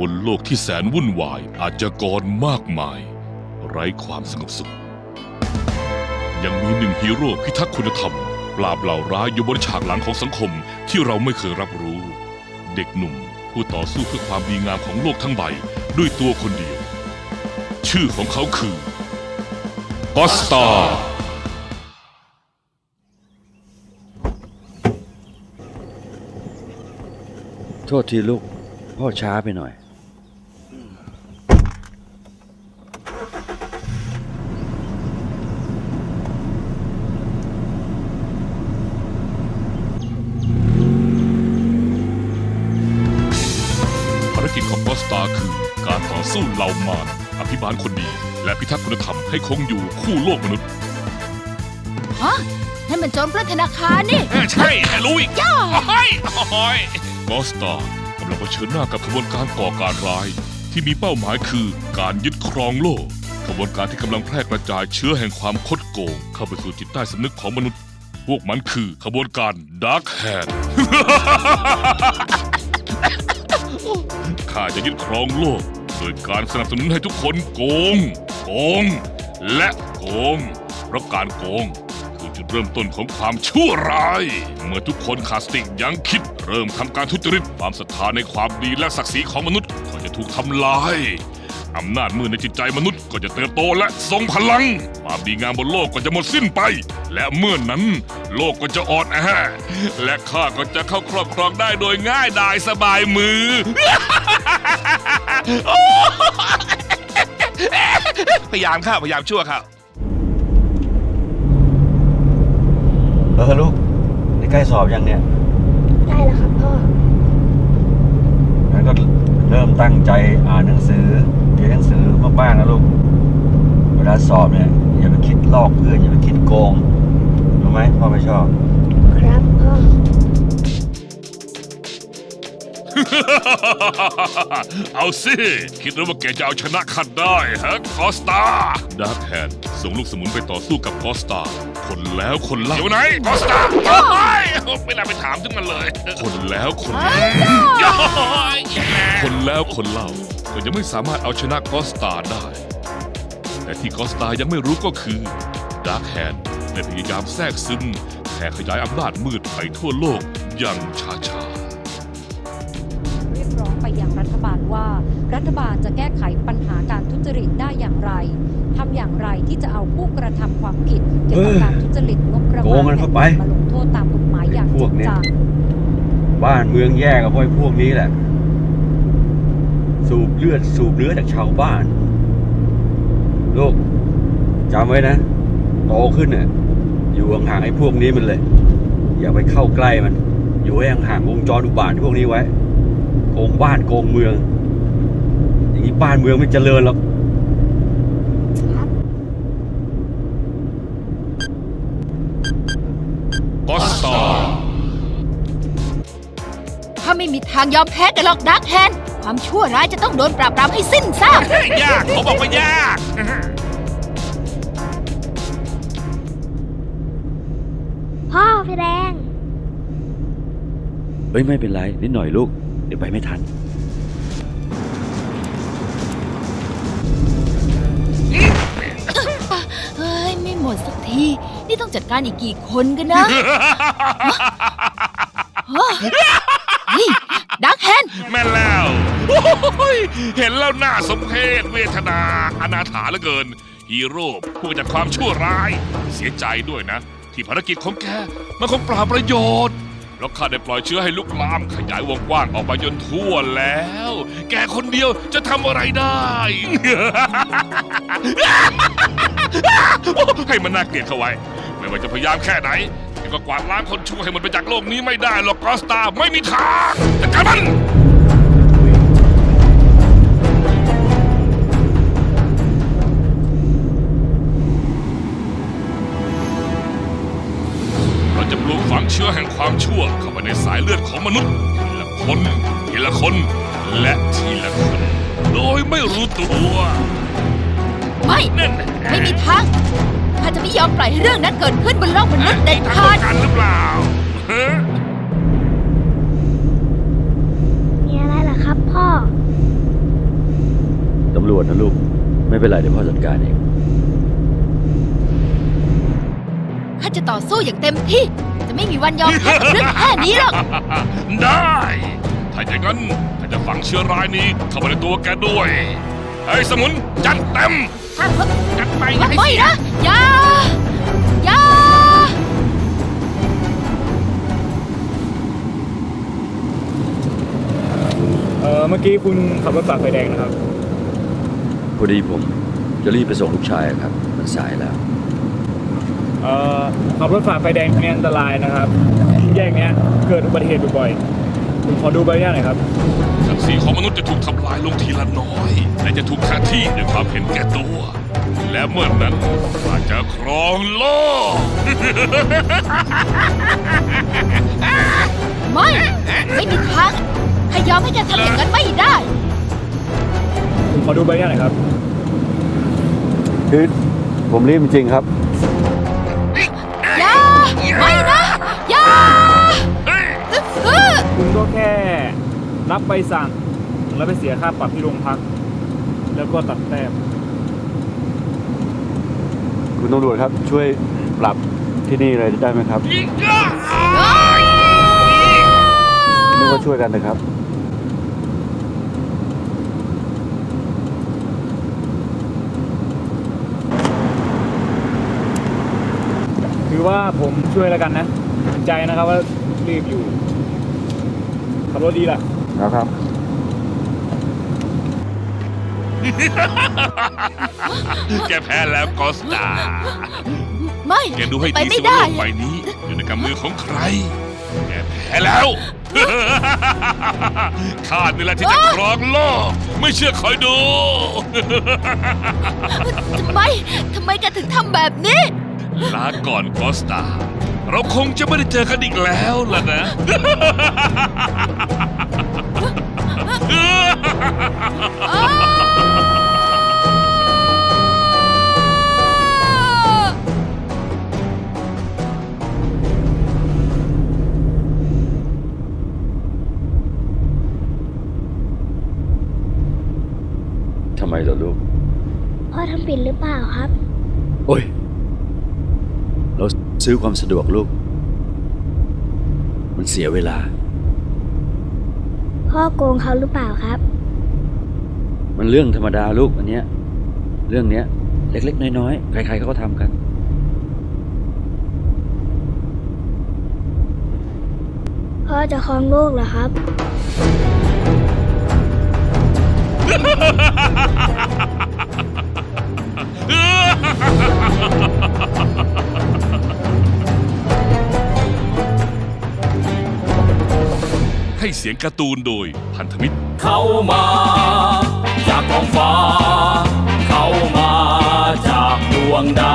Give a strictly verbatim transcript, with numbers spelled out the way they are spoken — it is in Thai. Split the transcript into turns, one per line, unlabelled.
บนโลกที่แสนวุ่นวายอาชญากรมากมายไร้ความสงบสุขยังมีหนึ่งฮีโร่พิทักษ์คุณธรรมปราบเหล่าร้ายอยู่บนฉากหลังของสังคมที่เราไม่เคยรับรู้เด็กหนุ่มผู้ต่อสู้เพื่อความดีงามของโลกทั้งใบด้วยตัวคนเดียวชื่อของเขาคือกอสตา
โทษทีลูกพ่อช้าไปหน่อย
ภารกิจของกอสตาคือการต่อสู้เหล่ามารอภิบาลคนดีและพิทักษ์คุณธรรมให้คงอยู่คู่โลกมนุษย์
ฮะนั่นมันโจรปล้นธนาคารนี่
ใช่รู้อีกย่าโอ้ยโอ้ยกอสตากำลังเผชิญหน้ากับขบวนการก่อการร้ายที่มีเป้าหมายคือการยึดครองโลกขบวนการที่กำลังแพร่กระจายเชื้อแห่งความคดโกงเข้าไปสู่จิตใต้สำนึกของมนุษย์พวกมันคือขบวนการดาร์คแฮนด์ข้าจะยึดครองโลกโดยการสนับสนุนให้ทุกคนโกงโกงและโกงเพราะการโกงคือจุดเริ่มต้นของความชั่วร้ายเมื่อทุกคนขาดสติยั้งคิดเริ่มทำการทุจริตความศรัทธาในความดีและศักดิ์ศรีของมนุษย์ก็จะถูกทำลายอำนาจมืดในจิตใจมนุษย์ก็จะเติบโตและทรงพลังความดีงามบนโลกก็จะหมดสิ้นไปและเมื่อนนั้นโลกก็จะอ่อนแอและข้าก็จะเข้าครอบครองได้โดยง่ายดายสบายมือ พยายามข้าพยายามชั่วข้า
เออลูกนี่ใกล้สอบยังเนี่ย
ได้แล้วครับพ่อ
งั้นก็เริ่มตั้งใจอ่านหนังสือเรียนหนังสือมากๆนะลูกเวลาสอบเนี่ยอย่าไปคิดลอกเพื่อนอย่าไปคิดโกงรู้ไหมพ่อไม่ชอบ
ครับพ่อ
เอาสิคิดว่าแกจะเอาชนะข้าได้ฮะกอสตาดาร์คแฮนด์ส่งลูกสมุนไปต่อสู้กับกอสตาคนแล้วคนเล่าอยู่ไหนกอสตาไม่น่าไปถามถึงมันเลยคนแล้วคนเล่าคนแล้วคนเล่าก็ยังไม่สามารถเอาชนะกอสตาได้แต่ที่กอสตายังไม่รู้ก็คือดาร์คแฮนด์ได้พยายามแทรกซึมแผ่ขยายอำนาจมืดไปทั่วโลกอย่างช้าๆ
ไปยังรัฐบาลว่ารัฐบาลจะแก้ไขปัญหาการทุจริตได้อย่างไรทำอย่างไรที่จะเอาผู้กระทำความผิดเกี่ยวกับการทุจริตงบประมาณมาลงโทษตามกฎหมายอย่างจริงจัง
บ้านเมืองแย่กับพวกพวกนี้แหละสูบเลือดสูบเนื้อจากชาวบ้านลูกจำไว้นะโตขึ้นเนี่ยอยู่ห่างๆไอ้พวกนี้มันเลยอย่าไปเข้าใกล้มันอยู่ให้ห่างๆวงจรอุบาทพวกนี้ไว้โกงบ้านโกงเมืองอย่างนี้บ้านเมืองไม่เจริญหรอก
กอสตา
ถ้าไม่มีทางยอมแพ้กันหรอกดาร์คแฮนด์ความชั่วร้ายจะต้องโดนปราบปรามให้สิ้นซาก
ยากเขาบอกว่ายาก
พ่อพี่แดง
เฮ้ยไม่เป็นไรนิดหน่อยลูกเดี๋ยวไปไม่ทัน
เฮ้ยไม่หมดสักทีนี่ต้องจัดการอีกกี่คนกันนะเฮ้ยดาร์คแฮนด์
แม่นแล้วเห็นแล้วน่าสมเพชเวทนาอนาถาเหลือเกินฮีโร่ผู้จัดความชั่วร้ายเสียใจด้วยนะที่ภารกิจของแกมันคงเปล่าประโยชน์แล้วข้าได้ปล่อยเชื้อให้ลุกลามขยายวงกว้างออกไปจนทั่วแล้วแกคนเดียวจะทำอะไรได้ ให้มันน่าเกลียดเข้าไว้ไม่ว่าจะพยายามแค่ไหนก็กวาดล้างคนชั่วให้มันไปจากโลกนี้ไม่ได้หรอกกอสตาไม่มีทางจัดการมันจะปลูกฝังเชื้อแห่งความชั่วเข้าไปในสายเลือดของมนุษย์ทีละคนทีละคนและทีละคนโดยไม่รู้ตัว
ไม่ไม่มีทางข้าจะไม่ยอมปล่อยให้เรื่องนั้นเกิดขึ้นบนโลกมนุษย์เด็ดขาด
กันหรือเปล่า
มีอะไรล่ะครับพ่อ
จนะลูก ไม่เป็นไรเดี๋ยวพ่อจัดการเอง
ข้าจะต่อสู้อย่างเต็มที่ จะไม่มีวันยอมแพ้กับเรื่องแค่นี้หรอก
ได้ ถ้าอย่างนั้นข้าจะฝังเชื้อร้ายนี้เข้าไปในตัวแกด้วย ไอ้สมุนจัดเต็ม จัดไปอย่าให้
ไม่
เสีย
นะอย่าอย่า
เออเมื่อกี้คุณขับรถฝ่าไฟแดงนะครับ
พอดีผมจะรีบไปส่งลูกชายครับ มันสายแล้ว
เอ่อขับรถฝ่าไฟแดงเนี่ยอันตรายนะครับ แยกเนี้ยเกิดอุบัติเหตุบ่อยๆผมขอดูใบหน้าหน่อยครับ
ศักดิ์ศรีของมนุษย์จะถูกทำลายลงทีละน้อย และจะถูกแทนที่ด้วยความเห็นแก่ตัว และเมื่อนั้นข้าจะครองโลก
ไม่ ไม่มีทางข้ายอมให้แกทำอย่างนั้นไม่ได้
ผมขอดูใบหน้าหน่อยครับ
คือผมรีบจริงๆครับ
อย่า ไม่นะ อย่าเออ
คุณก็แค่รับใบสั่งแล้วไปเสียค่าปรับที่โรงพัก แล้วก็ตัดแต้ม
คุณตำรวจครับช่วยปรับที่นี่เลยได้ไหมครับนึกว่าช่วยกันนะครับ
ถือว่าผมช่วยแล้วกันนะเห็นใจนะครับว่ารีบอยู่ขับรถดีล่ะ
นะครับ
แกแพ้แล้วกอสตา
ไม่
แกดูให้
ไป
ดี
ไม่
สิว่า
ได้
โลกใบนี้ อยู่ในกำมือของใคร แกแพ้แล้ว ข้านี่แหละที่จะครองโลก ไม่เชื่อคอยดู
ทำไม ทำไมแกถึงทำแบบนี้
ลาก่อนกอสตา เราคงจะไม่ได้เจอกันอีกแล้วล่ะนะ
ทำไมล่ะลูก
พ่อทำผิดหรือเปล่าครับ
โอ้ย เราซื้อความสะดวกลูก มันเสียเวลา
พ่อโกงเขาหรือเปล่าครับ
มันเรื่องธรรมดาลูกอันเนี้ย เรื่องเนี้ย เล็กๆน้อยๆใครๆเขาก็ทำกัน
พ่อจะครองโลกเหรอครับ
ให้เสียงการ์ตูนโดยพันธมิตร
เข้ามาจากท้องฟ้า เข้ามาจากดวงด